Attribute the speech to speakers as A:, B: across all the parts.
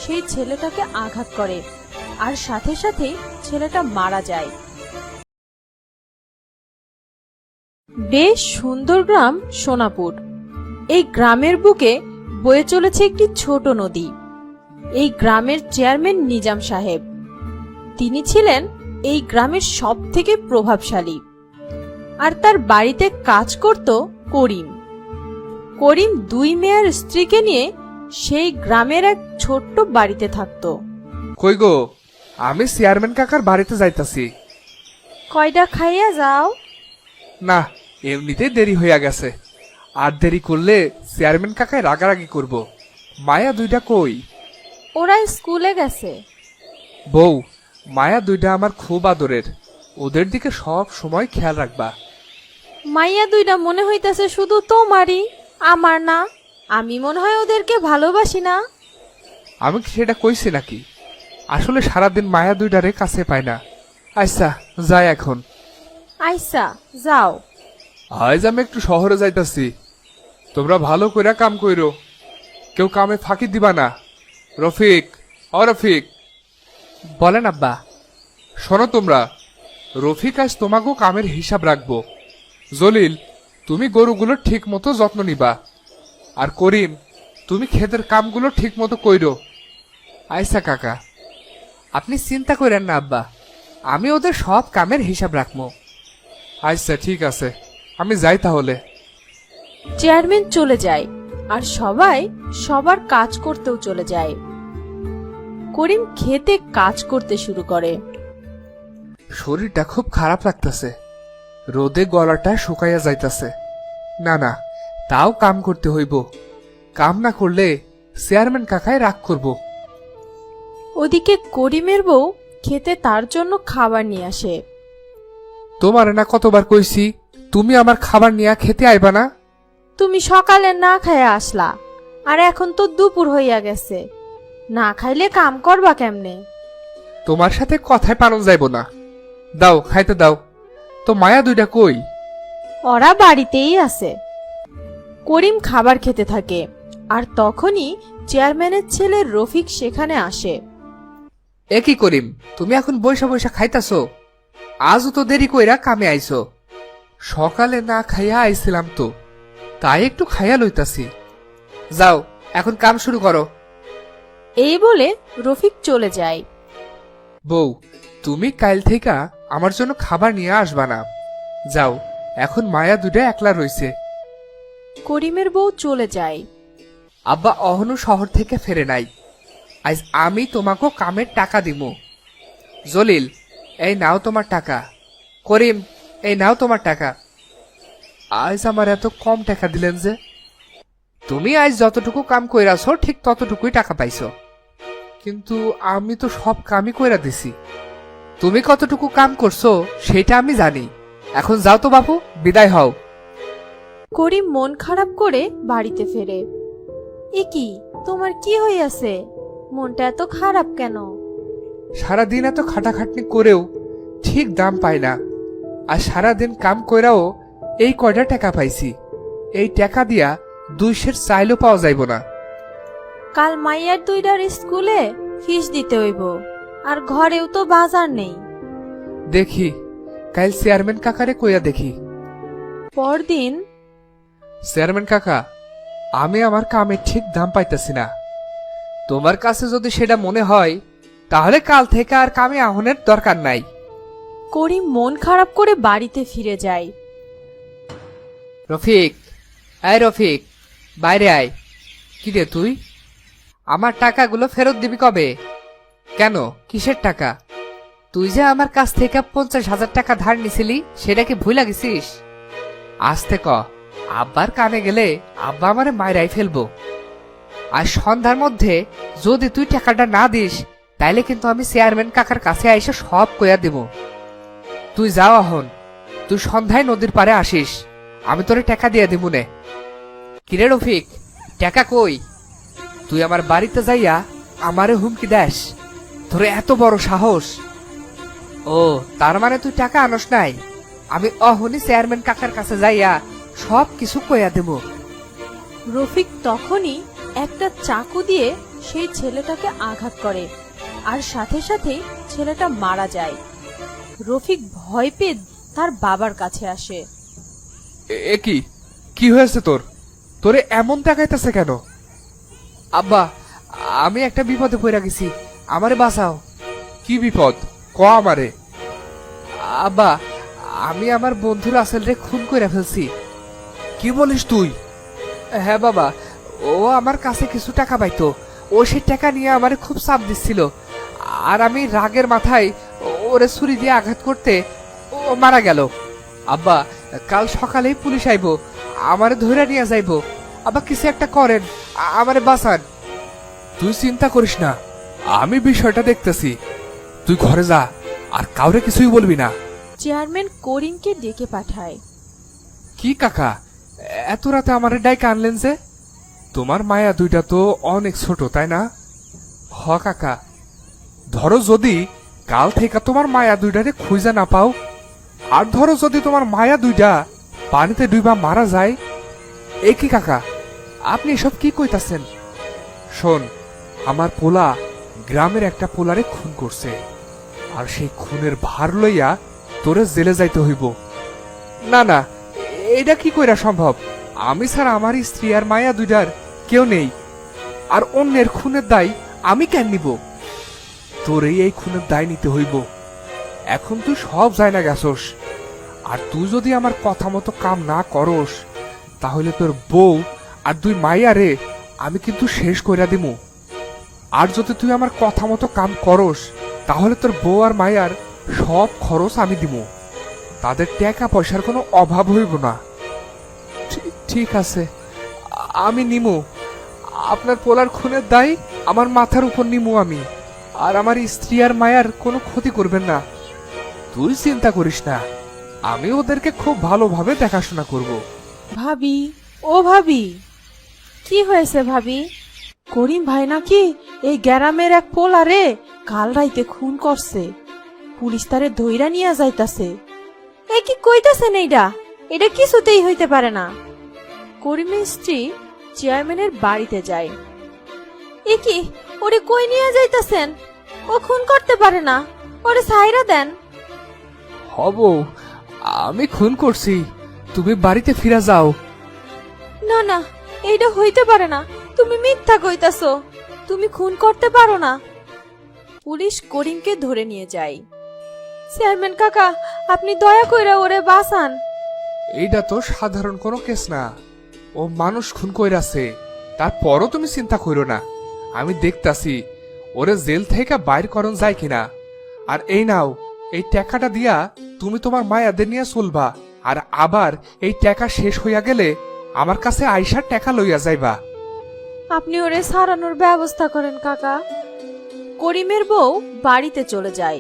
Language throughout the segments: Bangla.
A: সেই ছেলেটাকে আঘাত করে আর সাথে সাথেই ছেলেটা মারা যায়। বেশ সুন্দর গ্রাম সোনাপুর। এই গ্রামের বুকে বয়ে চলেছে একটি ছোট নদী। এই গ্রামের চেয়ারম্যান নিজাম সাহেব। তিনি ছিলেন এই গ্রামের সবথেকে প্রভাবশালী। আর তার বাড়িতে কাজ করত করিম। করিম দুই মেয়ের স্ত্রীকে নিয়ে সেই গ্রামের এক ছোট্ট বাড়িতে থাকত।
B: কই গো, আমি চেয়ারম্যান কাকার বাড়িতে যাইতাছি।
A: কয়টা খাইয়া যাও?
B: না, এমনিতেই দেরি হইয়া গেছে, আর দেরি করলে চেয়ারম্যান কাকায় রাগারাগি করব। মায়া দুইটা কই?
A: ওরা স্কুলে গেছে।
B: বউ, মায়া দুইটা আমার খুব আদরের, ওদের দিকে সব সময় খেয়াল রাখবা।
A: মাইয়া দুইটা মনে হইতাছে শুধু তোমারই, আমার না। আমি মনে হয় ওদেরকে ভালোবাসি না।
B: আমি কি সেটা কইছি নাকি? আসলে সারাদিন মায়া দুইটারে কাছে পাই না। আচ্ছা, যাই এখন।
A: আইসা যাও।
B: আজ আমি একটু শহরে যাইতাছি, তোমরা ভালো কইরা কাম কইরো, কেউ কামে ফাঁকি দিবা না। রফিক, ও রফিক। বলেন আব্বা। শোনো তোমরা, রফিক আজ তোমাকেও কামের হিসাব রাখবো। জলিল, তুমি গরুগুলোর ঠিক মতো যত্ন নিবা, আর করিম, তুমি ক্ষেতের কামগুলো ঠিক মতো কইরো। আইসা কাকা। আপনি চিন্তা করেন না আব্বা, আমি ওদের সব কামের হিসাব রাখবো। আচ্ছা ঠিক আছে, আমি যাই তাহলে।
A: চেয়ারম্যান চলে যায় আর সবাই সবার কাজ করতেও চলে যায়। করিম খেতে কাজ করতে শুরু করে।
B: শরীরটা খুব খারাপ লাগতেছে, রোদে গলাটা শুকাইয়া যাইতাছে। না না, তাও কাম করতে হইব। কাম না করলে চেয়ারম্যান কাকায় রাগ করব।
A: ওদিকে করিমের বউ খেতে তার জন্য খাবার নিয়ে আসে।
B: তোমার না কতবার কইছি তুমি আমার খাবার নিয়ে খেতে আইবা না?
A: তুমি সকালে না খাইয়া আসলা, আর এখন তো দুপুর হইয়া গেছে। না খাইলে কাম করবা কেমনে?
B: তোমার সাথে কথায় পালন যাইব না। দাও, খাইতে দাও। তো মায়া দুইটা কই?
A: ওরা বাড়িতেই আছে। করিম খাবার খেতে থাকে, আর তখনই চেয়ারম্যানের ছেলে রফিক সেখানে আসে।
B: এ কি করিম, তুমি এখন বৈশা বৈশা খাইতাছো? আজও তো দেরি কইরা কামে আইছো। সকালে না খাইয়া আইছিলাম তো, তাই একটু খাইয়া লইতাছি। যাও, এখন কাম শুরু করো।
A: এই বলে রফিক চলে যায়।
B: বউ, তুমি কাল থেকে আমার জন্য খাবার নিয়ে আসবা না। যাও, এখন মায়া দুইটা একলা রইছে।
A: করিমের বউ চলে যায়।
B: আব্বা অহনু শহর থেকে ফেরে নাই। আজ আমি তোমাকে কামের টাকা দিব। জলিল, এই নাও তোমার টাকা। করিম, এই নাও তোমার টাকা। আজ আমার এত কম টাকা দিলেন যে? তুমি আজ যতটুকু কাম কইরাছো ঠিক ততটুকুই টাকা পাইছো, কিন্তু আমি তো সব কামই কইরা দিছি। তুমি কতটুকু কাম করছো সেটা আমি জানি। এখন যাও তো বাপু, বিদায় হও।
A: করিম মন খারাপ করে বাড়িতে ফেরে। এ কি, তোমার কি হইয়াছে? মনটা এত খারাপ কেন?
B: সারাদিন এত খাটাখাটনি করেও ঠিক দাম পাই না, আর সারাদিন কাম কইরাও এই কয়টা টাকা পাইছি। এই টাকা দিয়া 2 সের চাইলেও পাওয়া যাইব না।
A: কাল মাইয়ার দুইটার স্কুলে ফিস দিতে হইব, আর ঘরেও তো বাজার নেই।
B: দেখি, কাল চেয়ারম্যান কাকারে কইয়া দেখি।
A: পরদিন।
B: চেয়ারম্যান কাকা, আমি আমার কামে ঠিক দাম পাইতেছি না। তোমার কাছে যদি সেটা মনে হয় তাহলে কাল থেকে আর কামে আহনের দরকার নাই।
A: করিম মন খারাপ করে বাড়িতে ফিরে যায়।
B: রফিক, এই রফিক, বাইরে আয়। কি রে তুই? আমার টাকাগুলো ফেরত দিবি কবে? কেন, কিসের টাকা? তুই যে আমার কাছ থেকে 50,000 টাকা ধার নিছিলি, সেটা কি ভুলে গেছিস? আসতে ক, আব্বার কানে গেলে আব্বা আমারে মাইরাই ফেলবো। আর সন্ধ্যার মধ্যে যদি তুই টাকাটা না দিস, তাইলে কিন্তু আমি চেয়ারম্যান কাকার কাছে এসে সব কইয়া দেব। তুই যাও এখন, তুই সন্ধ্যায় নদীর পারে আসিস, আমি তোরে টাকা দিয়ে দিব নে। কিরে রফিক, টাকা কই? তুই আমার বাড়িতে যাইয়া আমারে হুমকি দেস? তোর এত বড় সাহস? ও, তার মানে তুই টাকা আনস নাই? আমি অহনি চেয়ারম্যান কাকার কাছে যাইয়া সব কিছু কইয়া দেব।
A: রফিক তখনই একটা চাকু দিয়ে সেই ছেলেটাকে আঘাত করে আর সাথে সাথে ছেলেটা মারা যায়। রফিক ভয় পেয়ে তার বাবার কাছে আসে।
C: এ কি কি হয়েছে তোর? তোরে এমন দেখাইতেছে কেন?
B: আব্বা, আমি একটা বিপদে পড়ে গেছি, আমারে বাঁচাও।
C: কি বিপদ ক আমারে?
B: আব্বা, আমি আমার বন্ধু রাসেলরে খুন করে ফেলছি।
C: কি বলিস তুই?
B: হ্যাঁ বাবা, ও আমার কাছে কিছু টাকা পাইতো, ও সেই টাকা নিয়ে আমারে খুব চাপ দিচ্ছিল, আর আমি রাগের মাথায় ওরে ছুরি দিয়ে আঘাত করতে ও মারা গেল। আব্বা, কাল সকালেই পুলিশ আইবো, আমারে ধরে নিয়ে যাইবো। আব্বা কিছু একটা করেন, আমারে বাঁচান।
C: তুই চিন্তা করিস না, আমি বিষয়টা দেখতেছি। তুই ঘরে যা, আর কাউরে কিছুই বলবি না।
A: চেয়ারম্যান করিমকে ডেকে পাঠায়।
C: কি কাকা, এত রাতে আমারে ডাইকে আনলেন যে? তোমার মায়া দুইটা তো অনেক ছোট, তাই না? হ কাকা, ধরো যদি কাল থেকে তোমার মায়া দুইটারে খুঁজে না পাও, আর ধরো যদি তোমার মায়া দুইটা পানিতে ডুইবা মারা যায়, এ কি কাকা, আপনি এসব কি কইতাছেন? শোন, আমার পোলা গ্রামের একটা পোলারে খুন করছে, আর সেই খুনের ভার লইয়া তোরে জেলে যাইতে হইব।
B: না না, এটা কি কইরা সম্ভব? আমি ছাড়া আমার স্ত্রী আর মায়া দুইটার কেউ নেই, আর অন্যের খুনের দায় আমি কেন নিব?
C: তোরেই এই খুনের দায় নিতে হইব। এখন তুই সব যায় না গেছস, আর তুই যদি আমার কথা মতো কাম না করস, তাহলে তোর বউ আর দুই মাইয়ারে আমি কিন্তু শেষ কইরা দিমু। আর যদি তুই আমার কথা মতো কাম করস, তাহলে তোর বউ আর মাইয়ার সব খরচ আমি দিমু। তাদের টাকা পয়সার কোনো অভাব হইব না।
B: ঠিক আছে, আমি নিমু। আপনার পোলার খুনের দায় আমার মাথার উপর নিমু আমি, আর আমার স্ত্রী আর মায়ার কোনো ক্ষতি করবেন না।
C: তুই চিন্তা করিস না, আমি ওদেরকে খুব ভালোভাবে দেখাশোনা করব।
A: ভাবি, ও ভাবি, কি হয়েছে ভাবি? করিম ভাই নাকি এই গ্রামের এক পোলারে কাল রাইতে খুন করছে, পুলিশ তারে ধইরা নিয়ে যাইতাছে। এ কি কইতাছেন? এটা কিছুতেই হইতে পারে না। করিমের স্ত্রী চেয়ারম্যানের বাড়িতে যায়। এ কি, ওরে কই নিয়ে যাইতাছেন? ও খুন করতে পারে না, ওরে ছাইরা দেন।
B: হব, আমি খুন করছি, তুমি বাড়িতে ফিরে যাও।
A: না না, এইটা হইতে পারে না, তুমি মিথ্যা কইতাছো, তুমি খুন করতে পারো না। পুলিশ করিমকে ধরে নিয়ে যায়। চেয়ারম্যান কাকা, আপনি দয়া কইরা ওরে বাঁচান।
C: এইটা তো সাধারণ কোনো কেস না, ও মানুষ খুন কইরাছে। তারপরও তুমি চিন্তা কইরো না, আমি দেখতাছি ওরে জেল থেকে বাইর করন যায় কিনা। আর এই নাও, এই টাকাটা দিয়া তুমি তোমার মায়াদের নিয়ে চলবা, আর আবার এই টাকা শেষ হইয়া গেলে আমার কাছে আইসার টাকা লইয়া যাইবা।
A: আপনি ওরে সারানোর ব্যবস্থা করেন কাকা। করিমের বউ বাড়িতে চলে যায়।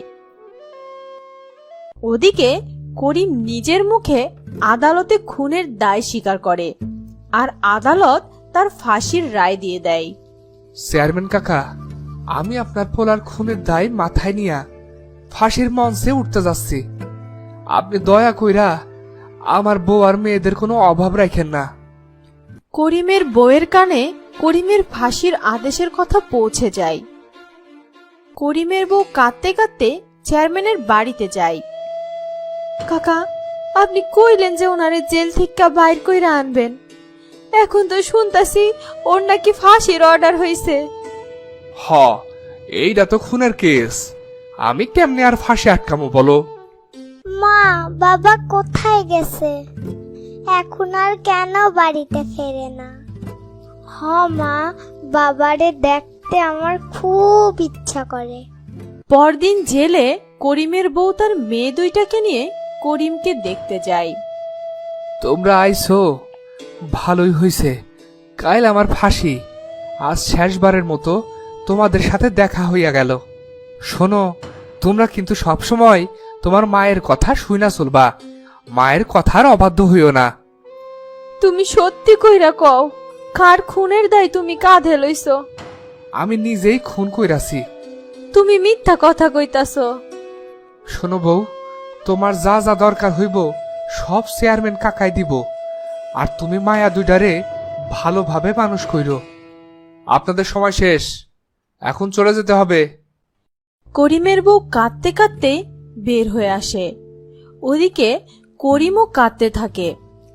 A: ওদিকে করিম নিজের মুখে আদালতে খুনের দায় স্বীকার করে, আর আদালত তার ফাঁসির রায় দিয়ে দেয়।
C: চেয়ারম্যান কাকা, আমি আপনার পোলার খুনের দায় মাথায় নিয়া ফাঁসির মঞ্চে উঠতে যাচ্ছি। আপনি দয়া কইরা আমার বউ আর মেয়েদের কোনো অভাব রাখেন না।
A: করিমের বউয়ের কানে করিমের ফাঁসির আদেশের কথা পৌঁছে যায়। করিমের বউ কাঁদতে কাঁদতে চেয়ারম্যানের বাড়িতে যায়। কাকা, আপনি কইলেন যে ওনারে জেল থেকে বাইর কইরা আনবেন, এখন তো শুনতাছি ওর নাকি ফাঁসির অর্ডার হইছে।
C: হ, এইটা তো খুনের কেস, আমি কেমনে আর ফাঁসি আটকামো বলো?
D: মা, বাবা কোথায় গেছে? এখন আর কেন বাড়িতে ফেরে না? হ মা, বাবারে দেখতে আমার খুব ইচ্ছা করে।
A: পরদিন জেলে করিমের বউ তার মেয়ে দুইটাকে নিয়ে করিমকে দেখতে যায়।
B: তোমরা আইছো, ভালোই হইছে। কাল আমার ফাঁসি, আজ শেষবারের মতো তোমাদের সাথে দেখা হইয়া গেল। শোনো, তোমরা কিন্তু সবসময় তোমার মায়ের কথা শুইনা চলবা, মায়ের কথার অবাধ্য হইও না।
A: তুমি সত্যি কইরা কও, কার খুনের দায় তুমি কাঁধে লইছো?
B: আমি নিজেই খুন কইরাছি।
A: তুমি মিথ্যা কথা কইতাছো।
B: শোনো বউ, তোমার যা যা দরকার হইব সব চেয়ারম্যান কাকাই দিব, আর তুমি মায়া দুইটারে ভালোভাবে মানুষ কইরো। আপনাদের সময় শেষ,
C: এখন চলে যেতে হবে।
A: করিমের বউ কাঁদতে কাঁদতে বের হয়ে আসে। ওদিকে করিমও কাঁদতে থাকে।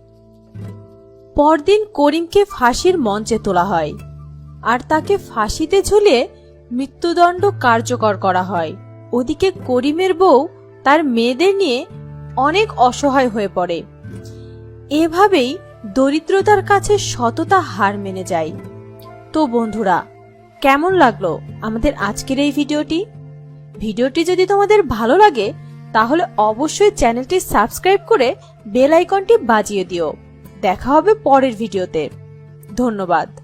A: পরদিন করিমকে ফাঁসির মঞ্চে তোলা হয় আর তাকে ফাঁসিতে ঝুলিয়ে মৃত্যুদণ্ড কার্যকর করা হয়। ওদিকে করিমের বউ তার মেয়েদের নিয়ে অনেক অসহায় হয়ে পড়ে। এভাবেই দরিদ্রতার কাছে সততা হার মেনে যায়। তো বন্ধুরা, কেমন লাগলো আমাদের আজকের এই ভিডিওটি যদি তোমাদের ভালো লাগে তাহলে অবশ্যই চ্যানেলটি সাবস্ক্রাইব করে বেল আইকনটি বাজিয়ে দিও। দেখা হবে পরের ভিডিওতে। ধন্যবাদ।